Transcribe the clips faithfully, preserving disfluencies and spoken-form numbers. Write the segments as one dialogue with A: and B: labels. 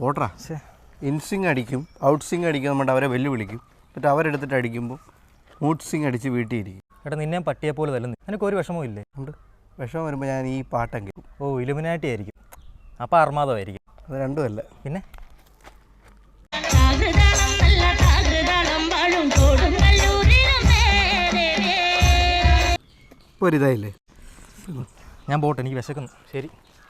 A: പോട്രാ. In swing അടിക്കും, out swing അടിക്കും, നമ്മുടെ അവരെ വെല്ലുവിളിക്കും. എന്നിട്ട് അവരെടുത്തിട്ട് അടിക്കുമ്പോൾ മൂഡ് സ്വിങ് അടിച്ച് വീട്ടിൽ ഇരിക്കും.
B: എടാ നിന്നെ പട്ടിയെ പോലെ തല്ലുന്നു, എനിക്ക് ഒരു വിഷമവും ഇല്ലേ?
A: ഉണ്ട്. വിഷമം വരുമ്പോൾ ഞാൻ ഈ പാട്ടം കേൾക്കും.
B: ഓ ഇലുമിനാറ്റി ആയിരിക്കും, അപ്പം അർമാദമായിരിക്കും.
A: അത് രണ്ടുമല്ല.
B: പിന്നെ
A: ഇപ്പോൾ ഒരു ഇതായില്ലേ?
B: ഞാൻ പോട്ടെ, എനിക്ക് വിശക്കുന്നു. ശരി.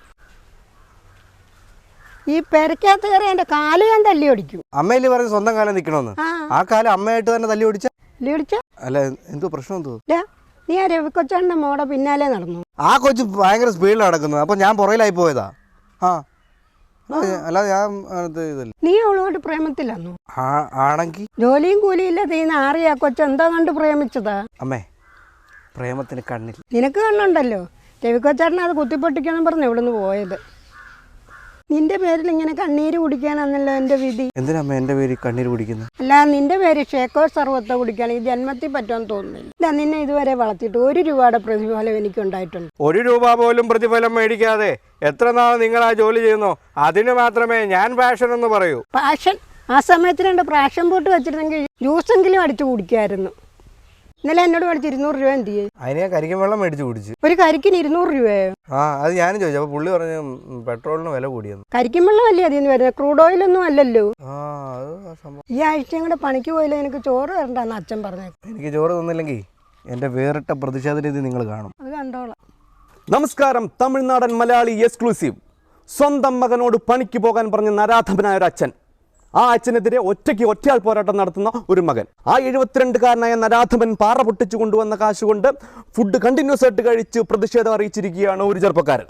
C: ഈ പെരക്കകത്ത് കയറി എൻ്റെ കാല് ഞാൻ തല്ലി ഓടിക്കും.
A: അമ്മയില് പറഞ്ഞ് സ്വന്തം കാലം നിൽക്കണമെന്ന്. ആ കാലം അമ്മയായിട്ട് തന്നെ തല്ലി ഓടിച്ച
C: തല്ലി ഓടിച്ച
A: അല്ല എന്തോ പ്രശ്നം എന്തോ?
C: നീ ആ രവിക്കൊച്ചൻ്റെ മോടെ പിന്നാലെ നടന്നു.
A: ആ കൊച്ചു ഭയങ്കര സ്പീഡിൽ നടക്കുന്നത്, അപ്പൊ ഞാൻ പുറകിലായി പോയതാ. ആ അല്ലാതെ ഞാൻ ഇതല്ല.
C: നീ അവളോട് പ്രേമത്തിലാന്നു
A: ആണെങ്കിൽ
C: ജോലിയും കൂലിയില്ല തീന്ന് ആറിയ കൊച്ചു എന്താ കണ്ട് പ്രേമിച്ചതാ?
A: അമ്മേ, പ്രേമത്തിന് കണ്ണില്ല.
C: നിനക്ക് കണ്ണുണ്ടല്ലോ. രവിക്കൊച്ചേട്ടൻ അത് കുത്തിപ്പൊട്ടിക്കാന്നും പറഞ്ഞു ഇവിടുന്ന് പോയത്. നിന്റെ പേരിൽ ഇങ്ങനെ കണ്ണീര് കുടിക്കാനാണല്ലോ എൻ്റെ വിധി.
A: എന്തിനമ്മ എൻ്റെ പേര് കണ്ണീര് കുടിക്കുന്നത്?
C: അല്ല, നിന്റെ പേര് ഷേക്കോ സർവത്ത കുടിക്കാൻ ഈ ജന്മത്തിൽ പറ്റുമെന്ന് തോന്നുന്നില്ല. ഇല്ല, നിന്നെ ഇതുവരെ വളർത്തിയിട്ട് ഒരു രൂപയുടെ പ്രതിഫലം എനിക്ക് ഉണ്ടായിട്ടുണ്ട്.
A: ഒരു രൂപ പോലും പ്രതിഫലം മേടിക്കാതെ എത്ര നാൾ നിങ്ങൾ ആ ജോലി ചെയ്യുന്നോ അതിന് മാത്രമേ ഞാൻ പാഷൻ എന്ന് പറയൂ.
C: പാഷൻ? ആ സമയത്ത് രണ്ട് പ്രാഷൻ പോട്ട് വെച്ചിരുന്നെങ്കിൽ ജ്യൂസെങ്കിലും അടിച്ചു കുടിക്കായിരുന്നു. ഇന്നലെ എന്നോട് മേടിച്ച് ഇരുന്നൂറ് രൂപ എന്ത് ചെയ്യും?
A: അതിന് ഞാൻ കരിക്കും വെള്ളം മേടിച്ച് കുടിച്ചു.
C: ഒരു കരിക്കിന് ഇരുന്നൂറ് രൂപയോ?
A: ആ അത് ഞാനും ചോദിച്ചു. അപ്പോൾ പുള്ളി പറഞ്ഞു പെട്രോളിന് വില കൂടിയെന്ന്.
C: കരിക്കും വെള്ളം അല്ലേ അതിൽ നിന്ന് വരുന്നത്, ക്രൂഡ് ഓയിലൊന്നും അല്ലല്ലോ.
A: ആ അത് സംഭവം.
C: ഈ ആഴ്ചയും കൂടെ പണിക്ക് പോയില്ല എനിക്ക് ചോറ് തരണ്ടെന്ന് അച്ഛൻ പറഞ്ഞു.
A: എനിക്ക് ചോറ് തന്നില്ലെങ്കിൽ എൻ്റെ വേറിട്ട പ്രതിഷേധ രീതി നിങ്ങൾ കാണും.
C: അത് കണ്ടോളാം.
D: നമസ്കാരം. തമിഴ്നാടൻ മലയാളി എക്സ്ക്ലൂസീവ്. സ്വന്തം മകനോട് പണിക്ക് പോകാൻ പറഞ്ഞ നരാധമനായ ഒരു അച്ഛൻ, ആ അച്ഛനെതിരെ ഒറ്റയ്ക്ക് ഒറ്റയാൾ പോരാട്ടം നടത്തുന്ന ഒരു മകൻ. ആ എഴുപത്തിരണ്ടുകാരനായ നരാധമൻ പാറ പൊട്ടിച്ചു കൊണ്ടുവന്ന കാശ് കൊണ്ട് ഫുഡ് കണ്ടിന്യൂസ് ആയിട്ട് കഴിച്ച് പ്രതിഷേധം അറിയിച്ചിരിക്കുകയാണ് ഒരു ചെറുപ്പക്കാരൻ.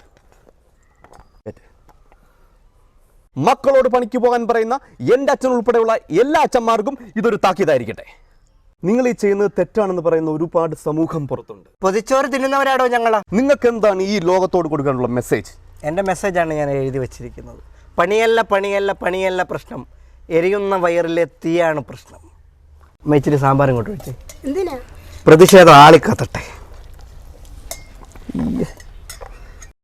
D: മക്കളോട് പണിക്ക് പോകാൻ പറയുന്ന എൻ്റെ അച്ഛൻ ഉൾപ്പെടെയുള്ള എല്ലാ അച്ഛന്മാർക്കും ഇതൊരു താക്കീതായിരിക്കട്ടെ. നിങ്ങൾ ഈ ചെയ്യുന്നത് തെറ്റാണെന്ന് പറയുന്ന ഒരുപാട് സമൂഹം പുറത്തുണ്ട്.
A: പൊതിച്ചോറ് തിന്നുന്നവരാടോ ഞങ്ങളാ.
D: നിങ്ങൾക്ക് എന്താണ് ഈ ലോകത്തോട് കൊടുക്കാനുള്ള മെസ്സേജ്?
A: എൻ്റെ മെസ്സേജാണ് ഞാൻ എഴുതി വച്ചിരിക്കുന്നത്. പണിയല്ല പണിയല്ല പണിയല്ല പ്രശ്നം, എരിയുന്ന വയറിലെ തീയാണ് പ്രശ്നം. ഇച്ചിരി സാമ്പാറും കൊണ്ട് വെച്ചേ.
C: എന്തിനാ?
A: പ്രതിഷേധം ആളിക്കത്തട്ടെ.